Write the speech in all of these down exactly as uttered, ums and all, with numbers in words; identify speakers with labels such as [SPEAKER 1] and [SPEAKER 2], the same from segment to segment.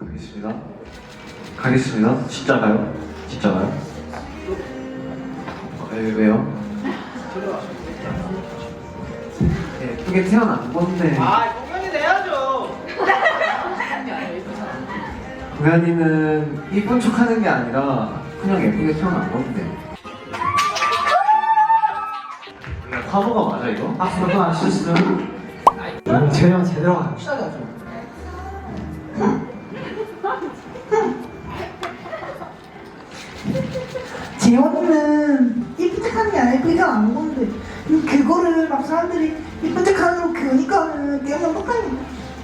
[SPEAKER 1] 가겠습니다. 가겠습니다. 진짜 가요? 진짜 가요? 어, 왜, 왜요? 네, 예쁘게 태어난 건데.
[SPEAKER 2] 아, 공연이 돼야죠.
[SPEAKER 1] 고양이는 이쁜 척 하는 게 아니라 그냥 예쁘게 태어난 건데. 화보가 맞아, 이거?
[SPEAKER 2] 아, 그거 안 쓰시죠?
[SPEAKER 1] 제대로 제대로 가요.
[SPEAKER 2] 시작이 하죠.
[SPEAKER 3] 재원이는 이쁜 척하는 게 아니고 이거 안 건데 음, 그거를 막 사람들이 이쁜 척하는 거 그러니까는 내가 똑같네.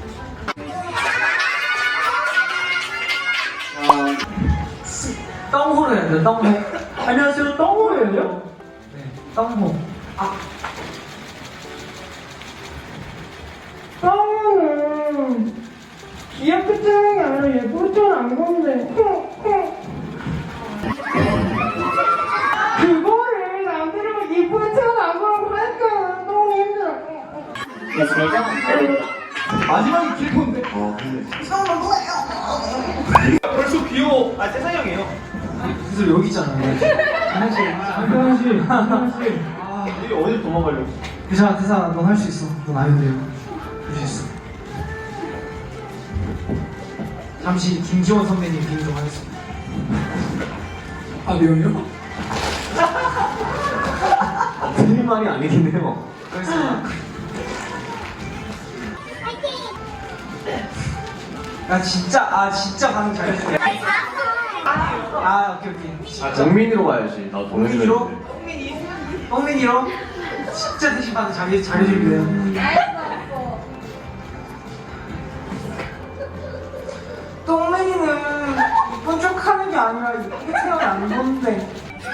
[SPEAKER 2] 똥호로 해야 돼요, 똥호. 안녕하세요, 똥호예요? 네, 똥호. 아.
[SPEAKER 4] 똥은 귀엽게 태어난 게 아니라 예쁘게 태어난 건데 그거를 남들은 예쁘게 태어난 거라고 하니까 너무 힘들어.
[SPEAKER 2] 마지막이 길건데.
[SPEAKER 1] 어, 근데.
[SPEAKER 3] 이상한 거예요.
[SPEAKER 2] 벌써 귀여워. 아, 세상이 형이에요. 그래서 여기 있잖아요. 하나씩.
[SPEAKER 4] 한편씨 한편씨
[SPEAKER 2] 아, 여기 어딜 도망가려고.
[SPEAKER 4] 대사 대사 넌 할 수 있어. 넌 아이돌이야. 할 수 있어. 잠시 김지원 선배님 비행 좀 하겠습니다. 아 내용이요?
[SPEAKER 1] 틀린 말이 아니긴 해요.
[SPEAKER 2] 그렇습니다. 나 진짜 아 진짜 방금 잘해줄게. 아 오케이 오케이.
[SPEAKER 1] 아, 정민이로 가야지. 나
[SPEAKER 2] 똥민이로?
[SPEAKER 1] 동민이로.
[SPEAKER 2] 똥민이? 똥민이로? 진짜 대신 방금 잘해 잘해줄게요. 똥민이는 이쁜 척하는 게 아니라 이쁘게 태어난 건데.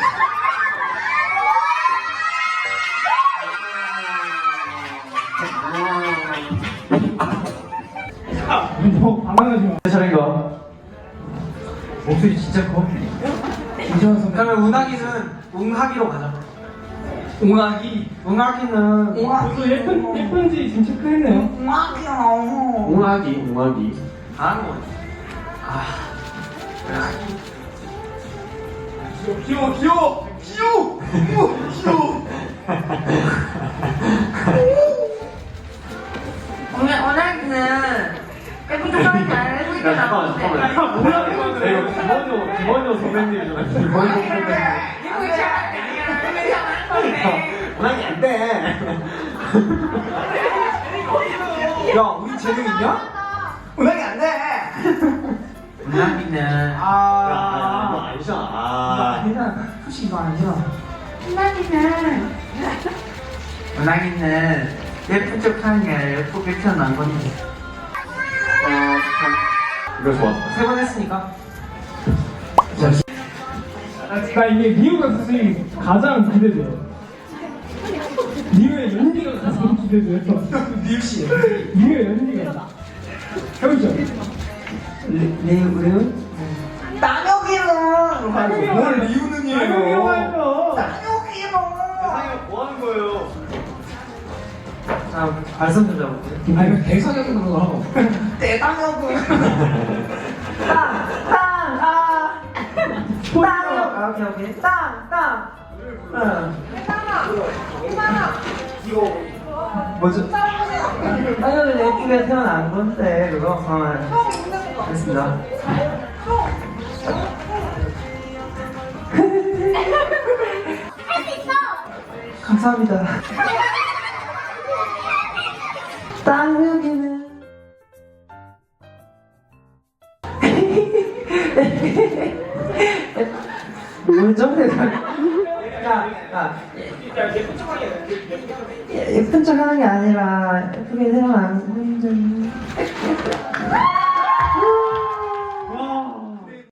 [SPEAKER 4] 너 반항하지 마.
[SPEAKER 1] 차례인가?
[SPEAKER 4] 목소리 진짜 커. 김지원 선배.
[SPEAKER 2] 그러면 운하기는 웅하기로 가자.
[SPEAKER 4] 웅아기.
[SPEAKER 2] 웅하기는
[SPEAKER 4] 벌써 예쁜 예쁜지 지금 체크했네요.
[SPEAKER 3] 아 귀여워.
[SPEAKER 1] 웅하기, 웅하기.
[SPEAKER 2] 잘하는 거지. 아
[SPEAKER 4] 귀여워 귀여워 귀여워 귀여워.
[SPEAKER 5] 오늘 오늘은 예쁜 척하는 게 아니라 예쁘게
[SPEAKER 1] 야, 잠깐만,
[SPEAKER 5] 나오는데
[SPEAKER 1] 잠깐만.
[SPEAKER 4] 아, 뭐야, 이거.
[SPEAKER 1] 이거 김원효, 김원효 선배님이잖아. 김원효 선배님.
[SPEAKER 5] 예쁘게 척하는 게 아니라 예쁘게 척하는 건데
[SPEAKER 1] 웅하기 안 돼.
[SPEAKER 2] 야 우리 재능 있냐? 운하기 안 돼. 운하기는
[SPEAKER 1] 야, 야, 이거
[SPEAKER 2] 아
[SPEAKER 1] 아니잖아.
[SPEAKER 2] 이거
[SPEAKER 1] 아.
[SPEAKER 2] 아니잖아. 솔직히 이거 아니잖아.
[SPEAKER 5] 신나기는
[SPEAKER 2] 운하기는 예쁜 척하는 게 아니라 예쁘게 태어난 건데.
[SPEAKER 1] 이거 좋았어.
[SPEAKER 2] 세 번 했으니까.
[SPEAKER 4] 나 이게 리우가 사실 가장 기대돼요. 리우의 연기가 가장 기대돼요.
[SPEAKER 2] 리우 씨.
[SPEAKER 4] 리우의 연기가. 해보죠.
[SPEAKER 2] 리우 리우?
[SPEAKER 3] 나혁이는
[SPEAKER 2] 뭘 리우는이에요?
[SPEAKER 4] 아이고 해요.
[SPEAKER 3] 나혁이는
[SPEAKER 1] 뭐 하는 거예요?
[SPEAKER 2] 자 발성 좀 잡아볼게요.
[SPEAKER 4] 아니면 대사적으로 하고.
[SPEAKER 3] 대단혁은
[SPEAKER 5] 땅땅아
[SPEAKER 2] 아 오케이 오케이.
[SPEAKER 5] 땅땅
[SPEAKER 2] 응.
[SPEAKER 5] 이만아
[SPEAKER 2] 뭐죠? 아니 예쁘게 태어난 건데 그거. 어, 됐습니다. 감사합니다.
[SPEAKER 3] 나혁이는
[SPEAKER 2] 뭐죠? 야, 야,
[SPEAKER 3] 예쁜 척하는 게 아니라 예쁘게 태어난 건데.